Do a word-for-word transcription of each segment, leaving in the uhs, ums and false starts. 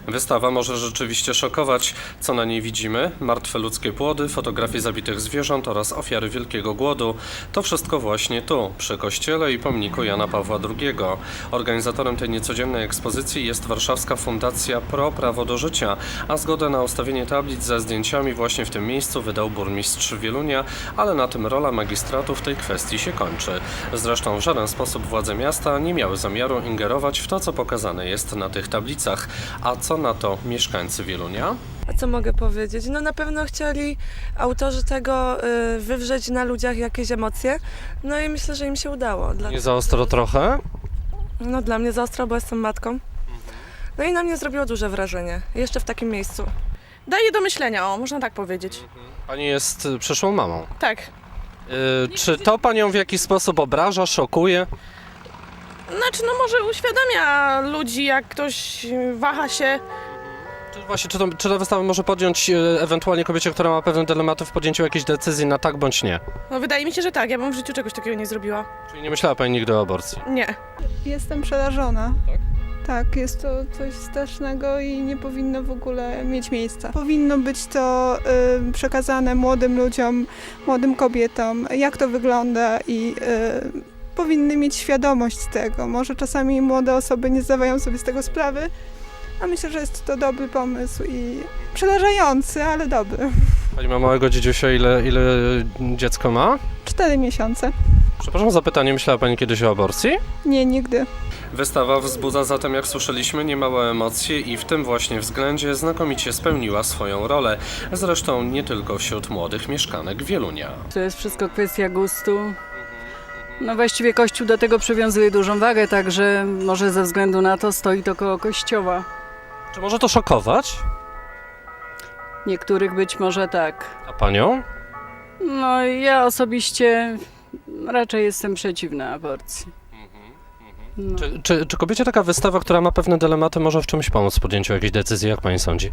Wystawa może rzeczywiście szokować. Co na niej widzimy? Martwe ludzkie płody, fotografie zabitych zwierząt oraz ofiary Wielkiego Głodu. To wszystko właśnie tu, przy kościele i pomniku Jana Pawła drugiego. Organizatorem tej niecodziennej ekspozycji jest warszawska fundacja Pro Prawo do Życia, a zgodę na ustawienie tablic ze zdjęciami właśnie w tym miejscu wydał burmistrz Wielunia, ale na tym rola magistratu w tej kwestii się kończy. Zresztą w żaden sposób władze miasta nie miały zamiaru ingerować w to, co pokazane jest na tych tablicach. A co na to mieszkańcy Wielunia? A co mogę powiedzieć? No na pewno chcieli autorzy tego y, wywrzeć na ludziach jakieś emocje, no i myślę, że im się udało. Dla... Nie za ostro trochę? No dla mnie za ostro, bo jestem matką. No i na mnie zrobiło duże wrażenie, jeszcze w takim miejscu. Daje do myślenia, o, można tak powiedzieć. Pani jest przyszłą mamą. Tak. Yy, czy to panią w jakiś sposób obraża, szokuje? Znaczy, no może uświadamia ludzi, jak ktoś waha się. Czy właśnie, czy, to, czy ta wystawa może podjąć yy, ewentualnie kobiecie, która ma pewne dylematy w podjęciu jakiejś decyzji na tak bądź nie? No wydaje mi się, że tak, ja bym w życiu czegoś takiego nie zrobiła. Czyli nie myślała pani nigdy o aborcji? Nie. Jestem przerażona. Tak? Tak, jest to coś strasznego i nie powinno w ogóle mieć miejsca. Powinno być to y, przekazane młodym ludziom, młodym kobietom, jak to wygląda i y, powinny mieć świadomość tego. Może czasami młode osoby nie zdawają sobie z tego sprawy, a myślę, że jest to dobry pomysł i przerażający, ale dobry. Pani ma małego dziedziusia, ile, ile dziecko ma? Cztery miesiące. Przepraszam za pytanie, myślała pani kiedyś o aborcji? Nie, nigdy. Wystawa wzbudza zatem, jak słyszeliśmy, niemałe emocje i w tym właśnie względzie znakomicie spełniła swoją rolę. Zresztą nie tylko wśród młodych mieszkanek Wielunia. To jest wszystko kwestia gustu. No właściwie Kościół do tego przywiązuje dużą wagę, także może ze względu na to stoi to koło kościoła. Czy może to szokować? Niektórych być może tak. A panią? No ja osobiście raczej jestem przeciwna aborcji. No. Czy, czy, czy kobiecie taka wystawa, która ma pewne dylematy, może w czymś pomóc w podjęciu jakiejś decyzji, jak pani sądzi?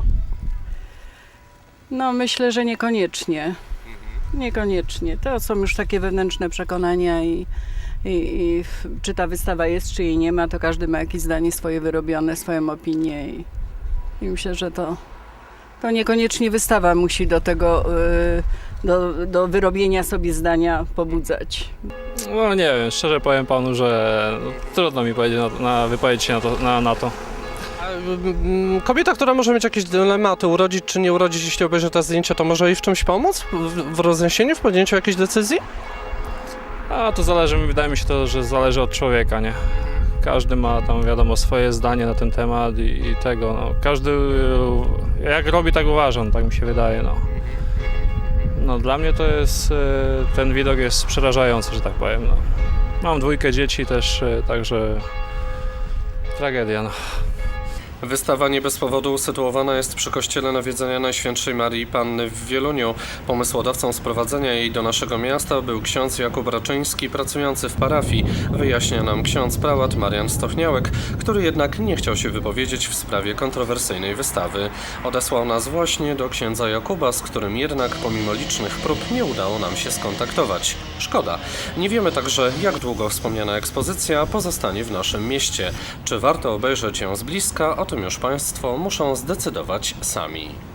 no myślę, że niekoniecznie. Niekoniecznie. To są już takie wewnętrzne przekonania i, i, i czy ta wystawa jest, czy jej nie ma, to każdy ma jakieś zdanie swoje wyrobione, swoją opinię i, i myślę, że to, to niekoniecznie wystawa musi do tego, y, do, do wyrobienia sobie zdania pobudzać. No nie wiem, szczerze powiem panu, że no, trudno mi powiedzieć na, na wypowiedzieć się na to. Na, na to. A, mm, Kobieta, która może mieć jakieś dylematy, urodzić czy nie urodzić, jeśli obejrzy te zdjęcia, to może jej w czymś pomóc? W, w rozniesieniu, w podjęciu jakiejś decyzji? A to zależy, wydaje mi się to, że zależy od człowieka, nie? Każdy ma tam, wiadomo, swoje zdanie na ten temat i, i tego, no. Każdy jak robi, tak uważa, no, tak mi się wydaje, no. No dla mnie to jest, ten widok jest przerażający, że tak powiem, no. Mam dwójkę dzieci też, także tragedia, no. Wystawa nie bez powodu usytuowana jest przy kościele Nawiedzenia Najświętszej Marii Panny w Wieluniu. Pomysłodawcą sprowadzenia jej do naszego miasta był ksiądz Jakub Raczyński, pracujący w parafii. Wyjaśnia nam ksiądz prałat Marian Stochniałek, który jednak nie chciał się wypowiedzieć w sprawie kontrowersyjnej wystawy. Odesłał nas właśnie do księdza Jakuba, z którym jednak pomimo licznych prób nie udało nam się skontaktować. Szkoda. Nie wiemy także, jak długo wspomniana ekspozycja pozostanie w naszym mieście. Czy warto obejrzeć ją z bliska? O tym już Państwo muszą zdecydować sami.